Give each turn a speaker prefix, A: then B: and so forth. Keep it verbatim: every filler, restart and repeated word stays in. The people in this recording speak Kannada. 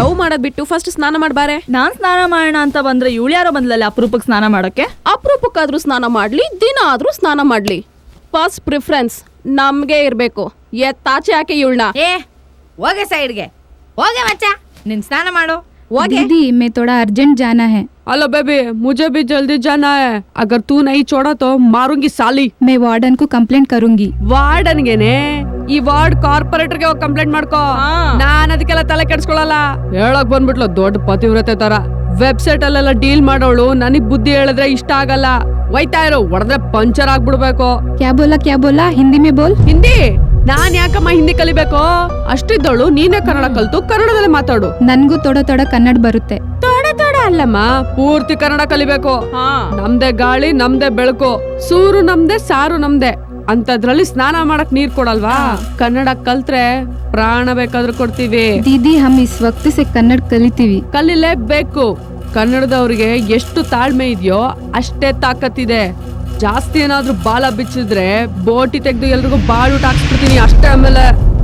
A: ಲವ್ ಮಾಡೋದ್ ಬಿಟ್ಟು ಫಸ್ಟ್ ಸ್ನಾನ ಮಾಡ್ಬಾರೆ.
B: ನಾನ್ ಸ್ನಾನ ಮಾಡೋಣ ಅಂತ ಬಂದ್ರೆ ಇವಳು ಯಾರೋ ಬಂದ್ಲಲ್ಲ ಅಪರೂಪಕ್ಕೆ ಸ್ನಾನ ಮಾಡೋಕೆ.
A: ಅಪರೂಪಕ್ಕಾದ್ರೂ ಸ್ನಾನ ಮಾಡ್ಲಿ, ದಿನ ಆದ್ರೂ ಸ್ನಾನ ಮಾಡ್ಲಿ, ಫಸ್ಟ್ ಪ್ರಿಫರೆನ್ಸ್ ನಮ್ಗೆ ಇರ್ಬೇಕು. ಎತ್ತಾಚೆ ಯಾಕೆ ಇವಳನ್ನ?
C: ಏ ಹೋಗೆ ಸೈಡ್ಗೆ ಹೋಗೆ ಮಚ್ಚ, ನಿನ್ ಸ್ನಾನ ಮಾಡು ಹೋಗೆ.
D: दीदी मैं थोड़ा अर्जेंट जाना है.
E: हेलो बेबी, मुझे भी जल्दी जाना है. अगर तू नहीं छोड़ा तो मारूंगी साली.
D: मैं वार्डन को कंप्लेंट करूंगी.
E: ವಾರ್ಡನ್ಗೆನೆ ಈ ವಾರ್ಡ್ ಕಾರ್ಪೊರೇಟರ್ಗೆ ಹೋಗಿ ಕಂಪ್ಲೇಂಟ್ ಮಾಡ್ಕೋ. ನಾನ್ ಅದಕ್ಕೆಲ್ಲ ತಲೆ ಕೆಡ್ಸ್ಕೊಳಲ್ಲ. ಹೇಳಕ್ ಬಂದ್ಬಿಟ್ಲು ದೊಡ್ಡ ಪತಿವ್ರತೆ ತರ. ವೆಬ್ಸೈಟ್ ಅಲ್ಲೆಲ್ಲ ಡೀಲ್ ಮಾಡೋಳು ನನಗ್ ಬುದ್ಧಿ ಹೇಳಿದ್ರೆ ಇಷ್ಟ ಆಗಲ್ಲ. ಒಯ್ತಾ ಇರೋ ಹೊಡೆದ್ರೆ ಪಂಚರ್ ಆಗ್ಬಿಡ್ಬೇಕು.
D: क्या बोला क्या बोला हिंदी में बोल.
E: ಹಿಂದಿ ನಾನ್ ಯಾಕಮ್ಮ ಹಿಂದಿ ಕಲಿಬೇಕು? ಅಷ್ಟಿದ್ದಳು ನೀನೇ ಕನ್ನಡ ಕಲ್ತು ಕನ್ನಡದಲ್ಲಿ ಮಾತಾಡು.
D: ನನ್ಗೂ ತೋಡ ತೋಡ ಕನ್ನಡ ಬರುತ್ತೆ.
E: ತೋಡ ತೋಡ ಅಲ್ಲಮ್ಮ, ಪೂರ್ತಿ ಕನ್ನಡ ಕಲಿಬೇಕು. ನಮ್ದೇ ಗಾಳಿ ನಮ್ದೇ ಬೆಳಕು, ಸೂರು ನಮ್ದೇ ಸಾರು ನಮ್ದೇ ಅಂತದ್ರಲ್ಲಿ ಸ್ನಾನ ಮಾಡಕ್ ನೀರ್ ಕೊಡಲ್ವಾ? ಕನ್ನಡ ಕಲ್ತ್ರೆ ಪ್ರಾಣ ಬೇಕಾದ್ರೂ ಕೊಡ್ತೀವಿ.
D: दीदी हम इस वक्त से कन्नड़ कलितीವಿ.
E: ಕಲಿಲೇಬೇಕು. ಕನ್ನಡದವ್ರಿಗೆ ಎಷ್ಟು ತಾಳ್ಮೆ ಇದೆಯೋ ಅಷ್ಟೇ ತಾಕತ್ತಿದೆ. ಜಾಸ್ತಿ ಏನಾದ್ರೂ ಬಾಲ ಬಿಚ್ಚಿದ್ರೆ ಬೋಟಿ ತೆಗ್ದು ಎಲ್ರಿಗೂ ಬಾಳೂಟ ಹಾಕ್ಸ್ಬಿಡ್ತೀನಿ ಅಷ್ಟೇ. ಆಮೇಲೆ